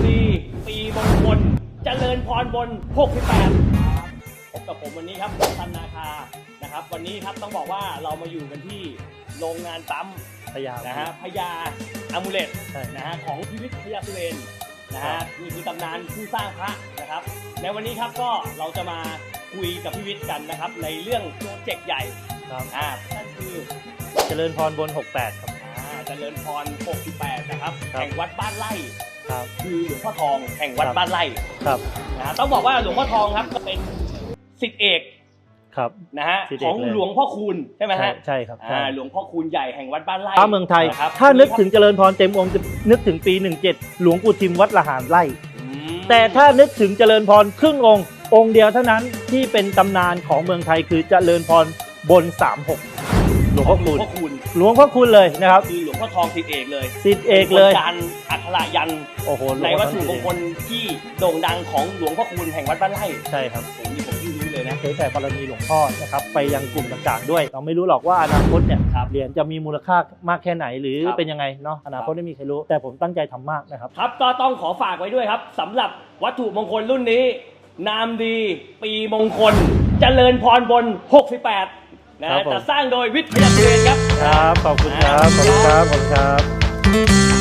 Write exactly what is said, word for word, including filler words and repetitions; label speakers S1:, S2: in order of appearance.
S1: ดีปีมงคลเจริญพรบนหกสิบแปดพบกับผมวันนี้ครับทันนาคานะครับวันนี้ครับต้องบอกว่าเรามาอยู่กันที่โรงงานปั๊ม
S2: พญา
S1: นะฮะพญาอามูเลตนะฮะของพิพิธพญาสุเรนนะฮะนี่คือตำนานผู้สร้างพระนะครับในวันนี้ครับก็เราจะมาคุยกับพิพิธกันนะครับในเรื่องโปรเจกต์ใหญ่ครับอ่านั่นคือ
S2: เจริญพรบนหกสิบแปดครับ
S1: เจริญพรหกสิบแปดนะครับแห่งวัดบ้านไร่
S2: ครับ
S1: คือหลวงพ่อทองแห่งวัดบ้านไร่
S2: ครับ
S1: นะฮะต้องบอกว่าหลวงพ่อทองครับก็เป็นศิษย์เอก
S2: ครับ
S1: นะฮะของหลวงพ่อคูณใช่ไหมฮะ
S2: ใช่ครับ
S1: อ่าหลวงพ่อคูณใหญ่แห่งวัดบ้านไร่
S2: พระเมืองไทยถ้านึกถึงเจริญพรเต็มองค์จะนึกถึงปีหนึ่งเจ็ดหลวงปู่ทิมวัดละหารไร่แต่ถ้านึกถึงเจริญพรครึ่งองค์องค์เดียวเท่านั้นที่เป็นตำนานของเมืองไทยคือเจริญพรบนสามสิบหกหลวงพ่อคูณหลวงพ่อคูณเลยนะครับ
S1: คือหลวงพ่อทองศิษย์เอกเลย
S2: ศิษย์เอกเลย
S1: การอัคระยัน
S2: โอ้โห
S1: ในวัตถุมงคลที่โด่งดังของหลวงพ่อคูณแห่งวัดบ้านไร่
S2: ใช่ครับ
S1: ผมนี่ผมที่รู้เลยนะ
S2: เผยแผ่บารมีหลวงพ่อนะครับไปยังกลุ่มต่างๆด้วยเราไม่รู้หรอกว่าอนาคตเนี่ยเหรียญจะมีมูลค่ามากแค่ไหนหรือเป็นยังไงเนาะอนาคตไม่มีใครรู้แต่ผมตั้งใจทำมากนะครับ
S1: ครับก็ต้องขอฝากไว้ด้วยครับสำหรับวัตถุมงคลรุ่นนี้นามดีปีมงคลเจริญพรบนหกสิบแปดนะจะสร้างโดยวิทยาสุเรนครับ
S2: ครับขอบคุณครับขอบคุณครับขอบคุณครับ